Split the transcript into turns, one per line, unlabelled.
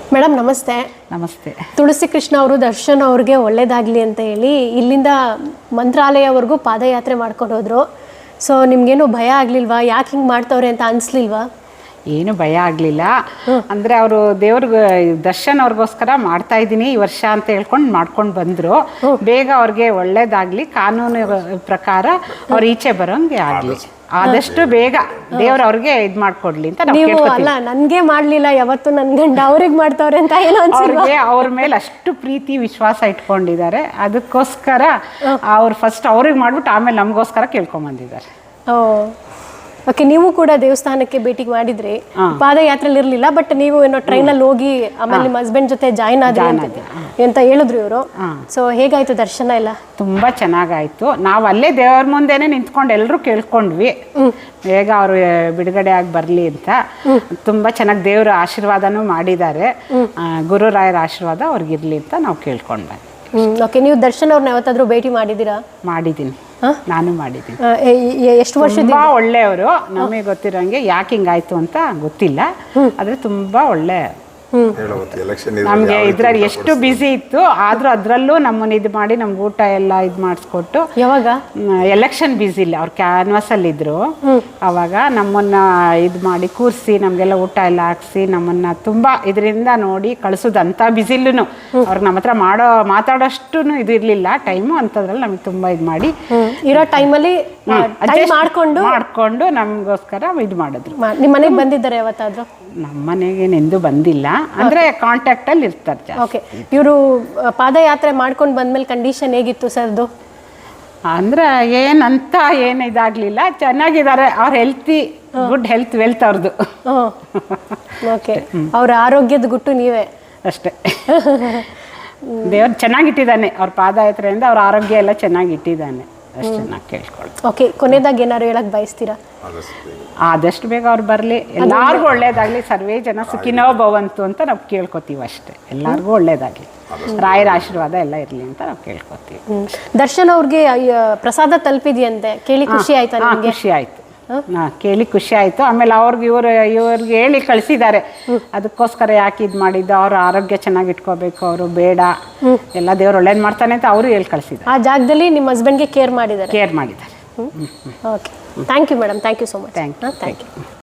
Madam ನಮಸ್ತೆ.
ನಮಸ್ತೆ.
ತುಳಸಿ ಕೃಷ್ಣ ಅವರು ದರ್ಶನ್ ಅವ್ರಿಗೆ ಒಳ್ಳೇದಾಗಲಿ ಅಂತ ಹೇಳಿ ಇಲ್ಲಿಂದ ಮಂತ್ರಾಲಯವರೆಗೂ ಪಾದಯಾತ್ರೆ ಮಾಡ್ಕೊಂಡು ಹೋದ್ರು. ಸೊ ನಿಮ್ಗೇನು ಭಯ ಆಗಲಿಲ್ವಾ? ಯಾಕೆ ಹಿಂಗೆ ಮಾಡ್ತವ್ರೆ ಅಂತ ಅನಿಸ್ಲಿಲ್ವಾ?
ಏನು ಭಯ ಆಗಲಿಲ್ಲ. ಅಂದರೆ ಅವರು ದೇವ್ರಿಗೆ ದರ್ಶನ್ ಅವ್ರಿಗೋಸ್ಕರ ಮಾಡ್ತಾ ಇದ್ದೀನಿ ಈ ವರ್ಷ ಅಂತ ಹೇಳ್ಕೊಂಡು ಮಾಡ್ಕೊಂಡು ಬಂದರು. ಬೇಗ ಅವ್ರಿಗೆ ಒಳ್ಳೇದಾಗಲಿ, ಕಾನೂನು ಪ್ರಕಾರ ಅವ್ರು ಈಚೆ ಬರೋಂಗೆ ಆಗಲಿ, ಆದಷ್ಟು ಬೇಗ ದೇವ್ರು ಅವ್ರಿಗೆ ಇದು ಮಾಡ್ಕೊಡ್ಲಿ ಅಂತ ನಾವು
ನೀವು ಅಲ್ಲ ನನಗೆ ಮಾಡಲಿಲ್ಲ ಯಾವತ್ತು ನನ್ನ ಗಂಡ ಅವ್ರಿಗೆ ಮಾಡ್ತವ್ರೆ ಅಂತ ಏನೋ
ಅವ್ರಿಗೆ ಅವ್ರ ಮೇಲೆ ಅಷ್ಟು ಪ್ರೀತಿ ವಿಶ್ವಾಸ ಇಟ್ಕೊಂಡಿದ್ದಾರೆ. ಅದಕ್ಕೋಸ್ಕರ ಅವ್ರು ಫಸ್ಟ್ ಅವ್ರಿಗೆ ಮಾಡ್ಬಿಟ್ಟು ಆಮೇಲೆ ನಮಗೋಸ್ಕರ ಕೇಳ್ಕೊಂಬಂದಿದ್ದಾರೆ.
ಓಕೆ, ನೀವು ಕೂಡ ದೇವಸ್ಥಾನಕ್ಕೆ ಭೇಟಿ ಮಾಡಿದ್ರಿ, ಪಾದಯಾತ್ರೆಲಿ ಇರಲಿಲ್ಲ, ಬಟ್ ನೀವು ಏನೋ ಟ್ರೈನಲ್ಲಿ ಹೋಗಿ ಆಮೇಲೆ ನಿಮ್ಮ ಹಸ್ಬೆಂಡ್ ಜೊತೆ ಜಾಯಿನ್ ಆದ್ರಿ ಅಂತ ಹೇಳಿದ್ರು ಇವರು. ಸೊ ಹೇಗಾಯ್ತು ದರ್ಶನ ಎಲ್ಲ?
ತುಂಬ ಚೆನ್ನಾಗಾಯ್ತು. ನಾವು ಅಲ್ಲೇ ದೇವ್ರ ಮುಂದೆನೆ ನಿಂತ್ಕೊಂಡು ಎಲ್ಲರೂ ಕೇಳ್ಕೊಂಡ್ವಿ ಬೇಗ ಅವರು ಬಿಡುಗಡೆ ಆಗಿ ಬರಲಿ ಅಂತ. ತುಂಬ ಚೆನ್ನಾಗಿ ದೇವ್ರ ಆಶೀರ್ವಾದನೂ ಮಾಡಿದ್ದಾರೆ. ಗುರುರಾಯರ ಆಶೀರ್ವಾದ ಅವ್ರಿಗಿರ್ಲಿ ಅಂತ ನಾವು ಕೇಳ್ಕೊಂಡ್ವಿ.
ಓಕೆ, ನೀವು ದರ್ಶನ್ ಅವ್ರನ್ನ ಯಾವತ್ತಾದ್ರೂ ಭೇಟಿ ಮಾಡಿದ್ದೀರಾ?
ಮಾಡಿದ್ದೀನಿ, ನಾನು ಮಾಡಿದ್ದೀನಿ.
ಎಷ್ಟು ವರ್ಷ?
ತುಂಬ ಒಳ್ಳೆಯವರು. ನಮಗೆ ಗೊತ್ತಿರೋಂಗೆ ಯಾಕೆ ಹಿಂಗಾಯ್ತು ಅಂತ ಗೊತ್ತಿಲ್ಲ, ಆದರೆ ತುಂಬ ಒಳ್ಳೆ. ನಮಗೆ ಇದ್ರಲ್ಲಿ ಎಷ್ಟು ಬ್ಯುಸಿ ಇತ್ತು, ಆದರೂ ಅದರಲ್ಲೂ ನಮ್ಮನ್ನು ಇದು ಮಾಡಿ ನಮ್ಗೆ ಊಟ ಎಲ್ಲ ಇದು ಮಾಡಿಸ್ಕೊಟ್ಟು.
ಯಾವಾಗ
ಎಲೆಕ್ಷನ್ ಬ್ಯುಸಿ ಇಲ್ಲ, ಅವ್ರು ಕ್ಯಾನ್ವಾಸಲ್ಲಿದ್ದರು. ಆವಾಗ ನಮ್ಮನ್ನು ಇದು ಮಾಡಿ ಕೂರಿಸಿ ನಮಗೆಲ್ಲ ಊಟ ಎಲ್ಲ ಹಾಕ್ಸಿ ನಮ್ಮನ್ನು ತುಂಬ ಇದರಿಂದ ನೋಡಿ ಕಳಿಸೋದು. ಅಂಥ ಬ್ಯುಸಿಲ್ಲೂ ಅವ್ರಿಗೆ ನಮ್ಮ ಹತ್ರ ಮಾತಾಡೋಷ್ಟು ಇದು ಇರಲಿಲ್ಲ ಟೈಮು. ಅಂಥದ್ರಲ್ಲಿ ನಮಗೆ ತುಂಬ ಇದು ಮಾಡಿ
ಇರೋ ಟೈಮಲ್ಲಿ
ಮಾಡಿಕೊಂಡು ನಮಗೋಸ್ಕರ ಇದು ಮಾಡಿದ್ರು.
ನಿಮ್ಮ ಮನೆಗೆ ಬಂದಿದ್ದಾರೆ ಯಾವತ್ತಾದರೂ?
ನಮ್ಮ ಮನೆಗೆ ನೆಂದು ಬಂದಿಲ್ಲ, ಅಂದರೆ ಕಾಂಟ್ಯಾಕ್ಟಲ್ಲಿ ಇರ್ತಾರೆ.
ಓಕೆ, ಇವರು ಪಾದಯಾತ್ರೆ ಮಾಡ್ಕೊಂಡು ಬಂದ್ಮೇಲೆ ಕಂಡೀಷನ್ ಹೇಗಿತ್ತು ಸರ್ದು?
ಅಂದರೆ ಏನಂತ ಏನು ಇದಾಗಲಿಲ್ಲ, ಚೆನ್ನಾಗಿದ್ದಾರೆ. ಅವ್ರ ಗುಡ್ ಹೆಲ್ತ್ ವೆಲ್ತ್ ಅವ್ರದ್ದು.
ಓಕೆ, ಅವ್ರ ಆರೋಗ್ಯದ ಗುಟ್ಟು ನೀವೇ
ಅಷ್ಟೇ. ದೇವ್ರು ಚೆನ್ನಾಗಿಟ್ಟಿದ್ದಾನೆ, ಅವ್ರ ಪಾದಯಾತ್ರೆಯಿಂದ ಅವ್ರ ಆರೋಗ್ಯ ಎಲ್ಲ ಚೆನ್ನಾಗಿಟ್ಟಿದ್ದಾನೆ ಅಷ್ಟೇ ನಾ ಕೇಳ್ಕೊಳ್ಳಿ.
ಓಕೆ, ಕೊನೆಯದಾಗಿ ಏನಾದ್ರು ಹೇಳಕ್ ಬಯಸ್ತೀರಾ?
ಆದಷ್ಟು ಬೇಗ ಅವ್ರು ಬರಲಿ, ಎಲ್ಲರಿಗೂ ಒಳ್ಳೇದಾಗಲಿ, ಸರ್ವೇ ಜನ ಸುಖಿನೋ ಭವಂತು ಅಂತ ನಾವು ಕೇಳ್ಕೊತೀವಿ ಅಷ್ಟೇ. ಎಲ್ಲರಿಗೂ ಒಳ್ಳೇದಾಗಲಿ, ರಾಯರ ಆಶೀರ್ವಾದ ಎಲ್ಲ ಇರಲಿ ಅಂತ ನಾವು ಕೇಳ್ಕೊತೀವಿ.
ದರ್ಶನ್ ಅವ್ರಿಗೆ ಪ್ರಸಾದ ತಲುಪಿದೆಯಂತೆ, ಕೇಳಿ ಖುಷಿ ಆಯ್ತಾ?
ಖುಷಿ ಆಯ್ತು, ಕೇಳಿ ಖುಷಿ ಆಯಿತು. ಆಮೇಲೆ ಇವ್ರಿಗೆ ಹೇಳಿ ಕಳಿಸಿದ್ದಾರೆ, ಅದಕ್ಕೋಸ್ಕರ ಯಾಕೆ ಇದು ಮಾಡಿದ್ದು, ಅವ್ರ ಆರೋಗ್ಯ ಚೆನ್ನಾಗಿ ಇಟ್ಕೋಬೇಕು, ಅವರು ಬೇಡ ಎಲ್ಲ ದೇವ್ರು ಒಳ್ಳೇದು ಮಾಡ್ತಾನೆ ಅಂತ ಅವರು ಹೇಳಿ ಕಳಿಸಿದ್ದಾರೆ.
ಆ ಜಾಗದಲ್ಲಿ ನಿಮ್ಮ ಹಸ್ಬೆಂಡ್ಗೆ ಕೇರ್ ಮಾಡಿದ್ದಾರೆ?
ಕೇರ್ ಮಾಡಿದ್ದಾರೆ.
Okay, thank you madam, thank you so much.
Thank you.